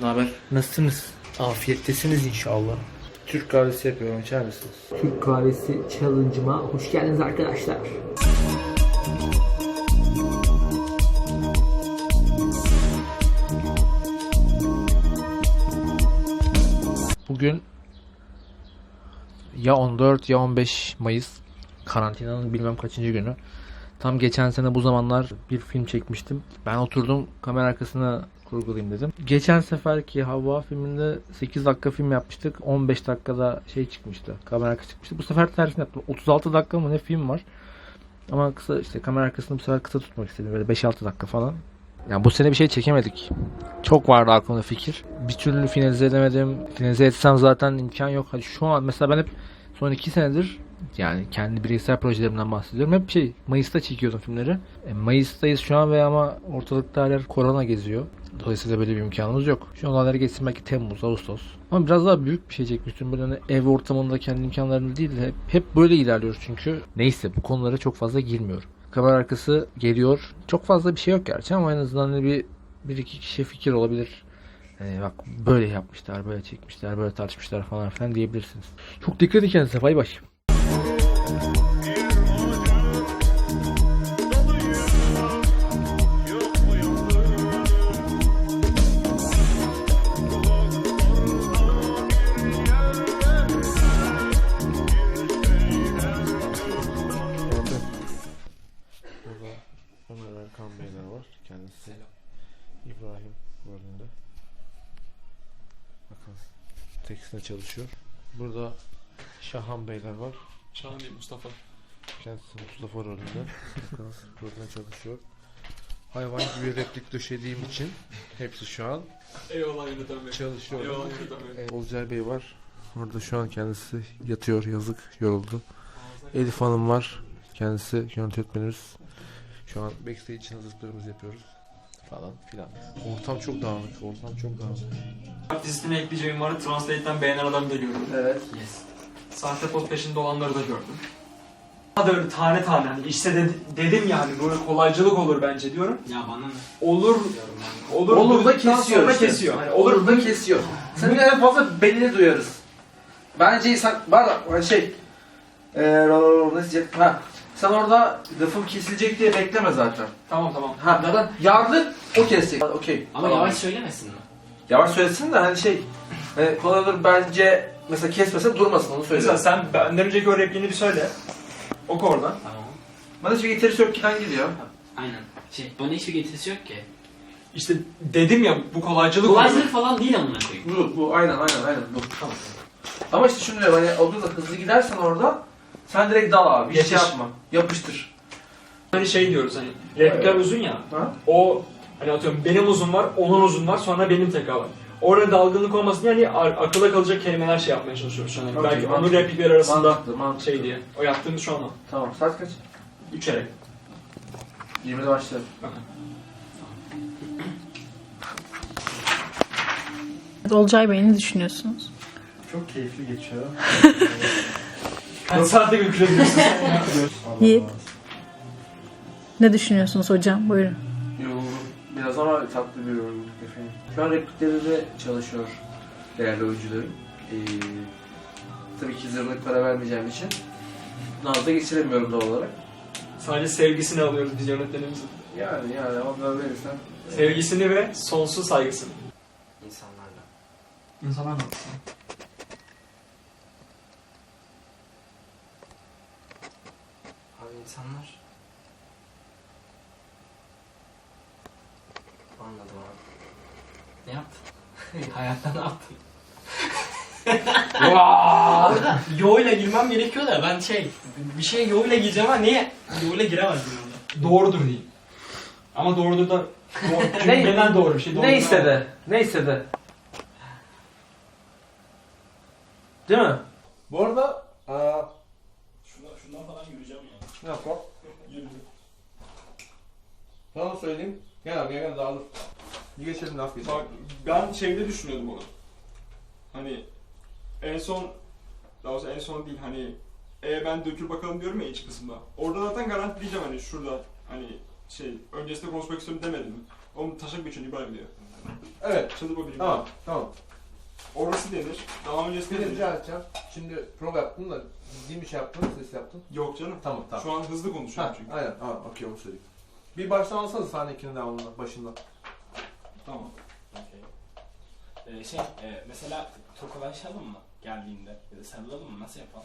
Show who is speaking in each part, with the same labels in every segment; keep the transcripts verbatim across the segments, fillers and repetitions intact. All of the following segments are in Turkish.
Speaker 1: Ne haber? Nasılsınız? Afiyettesiniz inşallah. Türk kahvesi yapıyorum, içer misiniz?
Speaker 2: Türk kahvesi challenge'ıma hoş geldiniz arkadaşlar.
Speaker 1: Bugün ya on dört ya on beş Mayıs, karantinanın bilmem kaçıncı günü. Tam geçen sene bu zamanlar bir film çekmiştim. Ben oturdum kamera arkasına kurgulayayım dedim. Geçen seferki Havva filminde sekiz dakika film yapmıştık. on beş dakikada şey çıkmıştı. Kamera arkası çıkmıştı. Bu sefer tersini yaptım. otuz altı dakika mı ne film var. Ama kısa, işte kamera arkasını bu sefer kısa tutmak istedim. Böyle beş altı dakika falan. Yani bu sene bir şey çekemedik. Çok vardı aklımda fikir. Bir türlü finalize edemedim. Finalize etsem zaten imkan yok. Hadi şu an mesela ben hep son iki senedir, yani kendi bireysel projelerimden bahsediyorum, hep şey Mayıs'ta çekiyordum filmleri. E, Mayıs'tayız şu an ve ama ortalıkta hala korona geziyor. Dolayısıyla böyle bir imkanımız yok. Şu olayları geçsin belki Temmuz, Ağustos. Ama biraz daha büyük bir şey çekmiştim. Böyle hani ev ortamında kendi imkanlarımla değil de hep, hep böyle ilerliyoruz çünkü. Neyse, bu konulara çok fazla girmiyorum. Kamera arkası geliyor. Çok fazla bir şey yok gerçi ama en azından hani bir, bir iki kişiye fikir olabilir. Yani bak böyle yapmışlar, böyle çekmişler, böyle tartışmışlar falan filan diyebilirsiniz. Çok dikkat edin kendinize. Bay bay. Ömer Erkan Beyler var. Kendisi İbrahim rolünde. Bakın tekstilde çalışıyor. Burada Şahan Beyler var.
Speaker 3: Şahan değil, Mustafa.
Speaker 1: Kendisi Mustafa rolünde. Bakın burada çalışıyor. Hayvan gibi replik döşediğim için hepsi şu an
Speaker 3: Eyvallah yöneten bey.
Speaker 1: çalışıyor.
Speaker 3: Eyvallah yöneten bey.
Speaker 1: Ee, Olcay Bey var. Orada şu an kendisi yatıyor, yazık, yoruldu. Elif Hanım var. Kendisi yönetmenimiz. Şu an backstage için hazırlıklarımızı yapıyoruz falan filan. Ortam çok dağınık, ortam çok dağınık.
Speaker 3: Dizisine ekleyeceğim vardı. Translate'den beğenen adamı da gördüm.
Speaker 1: Evet.
Speaker 3: Yes. Sahte pot peşinde olanları da gördüm. Daha da öyle tane tane hani işte de, dedim yani böyle kolaycılık olur bence diyorum.
Speaker 4: Ya bana ne?
Speaker 3: Olur. Olur,
Speaker 2: Olur da
Speaker 3: dedikten
Speaker 2: kesiyor
Speaker 3: sonra
Speaker 2: işte.
Speaker 3: kesiyor. Hani olur,
Speaker 2: Olur da kesiyor. Senin en fazla belini duyarız. Bence sen var da şey eee ne diyecek? Ha. Sen orada lafım kesilecek diye bekleme zaten.
Speaker 3: Tamam tamam.
Speaker 2: Ha, zaten yardı o kesecek. Okey.
Speaker 4: Ama
Speaker 2: Tamam.
Speaker 4: yavaş söylemesin mi?
Speaker 2: Yavaş söylesin de hani şey hani kolay olur bence mesela kesmese durmasın onu söyle.
Speaker 3: Mesela sen benden önceki o repliğini bir söyle. Oku oradan.
Speaker 4: Tamam.
Speaker 2: Bana hiçbir getirisi yok ki ben gidiyor.
Speaker 4: Aynen. Şey, bana hiçbir getirisi yok ki.
Speaker 3: İşte dedim ya bu kolaycılık olur.
Speaker 4: Kolaycılık falan değil amına koyayım.
Speaker 2: Bu, bu aynen aynen aynen bu. Tamam. Ama işte şunu diyorum hani olur da hızlı gidersen orada sen direkt dal abi. Hiç şey
Speaker 3: Yetiş.
Speaker 2: yapma. Yapıştır.
Speaker 3: Hani şey diyoruz hani replikler uzun ya.
Speaker 2: Ha?
Speaker 3: O hani atıyorum benim uzun var, onun uzun var, sonra benim tekrar var. Orada dalgınlık olmasın yani akılda kalacak kelimeler şey yapmaya çalışıyoruz şu an.
Speaker 2: Okey,
Speaker 3: Belki
Speaker 2: mantıklı.
Speaker 3: onun replikler arasında
Speaker 2: Mantıklı, mantıklı.
Speaker 3: şey diye. O yaptığımız şu an o.
Speaker 2: Tamam. Saat kaç?
Speaker 3: Üçerek.
Speaker 2: yirmide başlayalım.
Speaker 5: Olcay Bey ne düşünüyorsunuz?
Speaker 1: Çok keyifli geçiyor.
Speaker 3: Kaç saatte götürebiliyorsun sen ya?
Speaker 5: Yiğit. Ne düşünüyorsunuz hocam? Buyurun.
Speaker 2: Yoruldum. Biraz ama tatlı bir yorgunluk efendim. Şu an repliklerinde çalışıyor değerli oyuncularım. Ee, tabii ki zırnık para vermeyeceğim için nazda geçiremiyorum doğal olarak.
Speaker 3: Sadece sevgisini alıyoruz biz yönetmenimizin.
Speaker 2: Yani yani ama böyle verirsen...
Speaker 3: Sevgisini ve sonsuz saygısını.
Speaker 4: İnsanlarla.
Speaker 3: İnsanlar mı?
Speaker 4: Abi insanlar. Anladım abi. Ne yaptın? Hayatta ne yaptın? Orada yo ile girmem gerekiyor da ben şey bir şey yo ile gireceğim ama niye yo ile giremezdim orada.
Speaker 3: Doğrudur diyeyim. Ama doğrudur da doğru. Cümleden doğru bir şey. Doğrudur
Speaker 2: Neyse
Speaker 3: ama.
Speaker 2: de. Neyse de. Değil mi?
Speaker 1: Bu arada aa,
Speaker 3: Şundan, şundan falan yürüyeceğim ya.
Speaker 1: ne yapalım? Sana söyleyeyim. Gel abi gel dağılır. Bir geçelim laf geçelim.
Speaker 6: Bak ben şeyde düşünüyordum onu. Hani en son, daha doğrusu en son değil hani e ben dökül bakalım diyorum ya iç kısımda. Orada zaten garanti diyeceğim hani şurada hani şey öncesinde konuşmak istiyorum demedim mi? Onun taşak geçiyor İbrahim diyor.
Speaker 2: Evet.
Speaker 6: Çalı bobini.
Speaker 2: Tamam. Tamam.
Speaker 6: Orası denir. Daha öncesi
Speaker 2: Seni
Speaker 6: denir.
Speaker 2: rica edeceğim. Şimdi prova yaptın da ciddi bir şey yaptın, ses yaptın.
Speaker 6: Yok canım.
Speaker 2: Tamam tamam.
Speaker 6: Şu an hızlı konuşuyorum
Speaker 2: Ha,
Speaker 6: çünkü.
Speaker 2: aynen. Tamam. Okey, onu söyleyeyim. Bir baştan alsanız sahne ikinin devamında, başında.
Speaker 6: Tamam.
Speaker 4: Okey. Ee, şey, e, mesela tokalaşalım mı geldiğinde? Ya da sarılalım mı? Nasıl yapalım?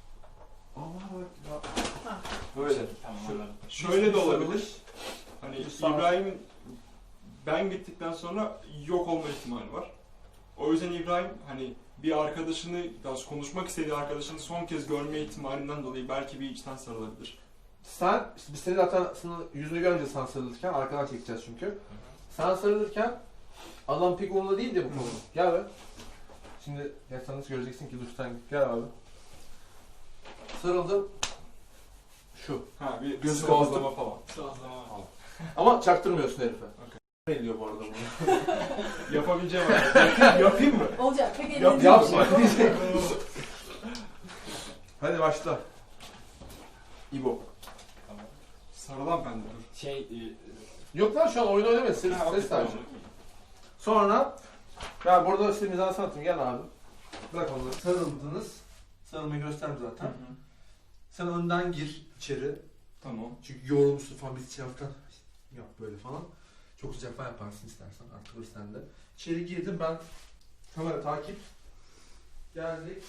Speaker 2: Böyle.
Speaker 4: Tamam
Speaker 2: Şöyle.
Speaker 4: anladım.
Speaker 6: Şöyle de olabilir. Hani
Speaker 2: Bir sağ-
Speaker 6: İbrahim'in ben gittikten sonra yok olma ihtimali var. O yüzden İbrahim hani bir arkadaşını, daha doğrusu konuşmak istediği arkadaşını son kez görme ihtimalinden dolayı belki bir içten sarılabilir.
Speaker 2: Sen, işte biz seni zaten sana yüzünü görünce sen sarılırken, arkadan çekeceğiz çünkü. Sen sarılırken adam pek umurunda değil de bu konu. Gel be. Şimdi ya sen nasıl göreceksin ki duştan git. Gel abi. Sarıldım. Şu.
Speaker 6: Ha bir
Speaker 2: Gözü
Speaker 6: sıvazlama falan.
Speaker 4: Sıvazlama falan.
Speaker 2: Ama çaktırmıyorsun herife.
Speaker 6: Okey.
Speaker 2: Ne ediyor bu arada bunu?
Speaker 6: Yapabileceğim abi.
Speaker 2: Yapayım mı?
Speaker 5: Olacak. Peki
Speaker 2: Yap, yapma. Hadi başla. İbo.
Speaker 4: Tamam.
Speaker 6: Sarılan bende dur.
Speaker 4: Şey, e,
Speaker 2: Yok lan şu an oyun oynamayın. Ses,
Speaker 6: Ha, okey,
Speaker 2: ses
Speaker 6: tamam.
Speaker 2: sadece. Sonra ya burada size mizah sanatım, gel abi. Bırak onları. Sarıldınız. Sarılmayı gösterdim zaten. Sen önden gir içeri.
Speaker 6: Tamam.
Speaker 2: Çünkü yorulmuşsun falan, biz içeriden yap böyle falan. Çok sıcak falan yaparsın istersen, artık sen de. İçeri girdim ben, kamera takip. Geldik.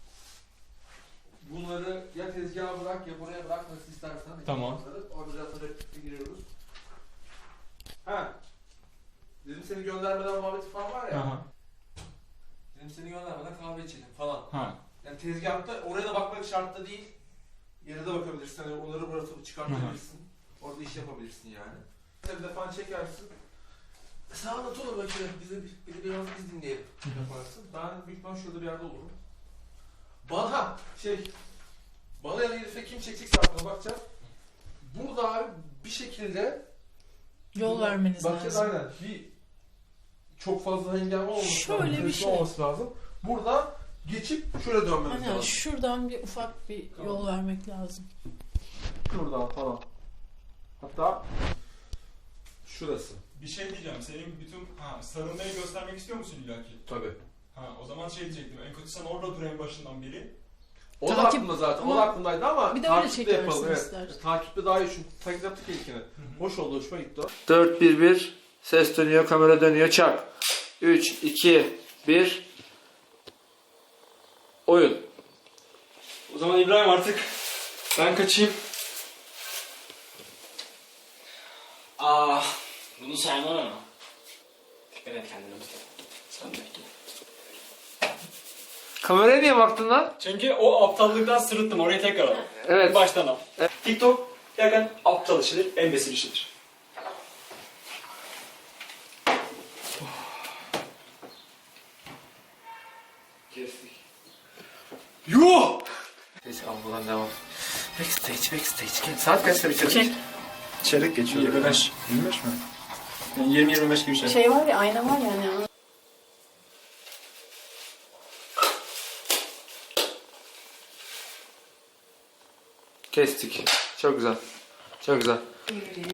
Speaker 2: Bunları ya tezgaha bırak ya buraya bırak, nasıl istersen.
Speaker 6: Tamam.
Speaker 2: Orada zaten replikle giriyoruz. Ha. Dedim seni göndermeden muhabbeti falan var ya.
Speaker 6: Aha.
Speaker 2: Dedim seni göndermeden kahve içelim falan.
Speaker 6: Ha.
Speaker 2: Yani tezgahta oraya da bakmak şartta değil. Yere de bakabilirsin. Hani onları bırakıp çıkartabilirsin. Orada iş yapabilirsin yani. Bir defa çekersin. Sen anlat olur bakayım. Bize bir, bir biraz biz dinleyelim. Yaparsın. Ben büyük ihtimal şurada bir yerde olurum. Bana şey bana ya da herife kim çekecekse aklına bakacağız. Burada abi bir şekilde
Speaker 5: Yol vermeniz
Speaker 2: bakacağız,
Speaker 5: lazım.
Speaker 2: aynen. Bir çok fazla engel olmaması
Speaker 5: Şöyle
Speaker 2: lazım.
Speaker 5: bir
Speaker 2: hızlı
Speaker 5: şey.
Speaker 2: olması lazım. Burada geçip şöyle dönmemiz
Speaker 5: Hani
Speaker 2: lazım.
Speaker 5: şuradan bir ufak bir yol vermek lazım.
Speaker 2: Şuradan falan. Hatta şurası.
Speaker 6: Bir şey diyeceğim. Senin bütün ha sarılmayı göstermek istiyor musun illaki?
Speaker 2: Tabii.
Speaker 6: Ha o zaman şey diyecektim. En kötü sen orada dur en başından beri.
Speaker 2: O da
Speaker 5: Takip-
Speaker 2: aklımda zaten. O
Speaker 5: ama
Speaker 2: da aklımdaydı ama
Speaker 5: bir de öyle
Speaker 2: takiple
Speaker 5: çekersin
Speaker 2: yapalım. Evet.
Speaker 5: istersen.
Speaker 2: Takiple daha iyi, çünkü takip yaptık ya ilkini.
Speaker 6: hı.
Speaker 2: Hoş oldu, hoşuma gitti o.
Speaker 1: dört bir bir ses dönüyor, kamera dönüyor, çak. üç iki bir oyun.
Speaker 3: O zaman İbrahim artık ben kaçayım.
Speaker 4: Aa, bunu saymam ama. Dikkat et kendine bir kere. Sen bekle.
Speaker 1: Kameraya niye baktın lan?
Speaker 3: Çünkü o aptallıktan sırıttım. Orayı tekrar al.
Speaker 1: Evet.
Speaker 3: Baştan al. TikTok gerçekten aptal işidir, embesil işidir.
Speaker 1: Kestik.
Speaker 3: Yuh!
Speaker 1: Geç buradan devam. Backstage, backstage. Saat kaçta bitirdik?
Speaker 3: Çeyrek geçiyor. yirmi beş. yirmi beş mi? Yani yirmi yirmi beş gibi bir şey.
Speaker 5: Şey var ya, ayna var ya hani.
Speaker 1: Kestik. Çok güzel. Çok güzel.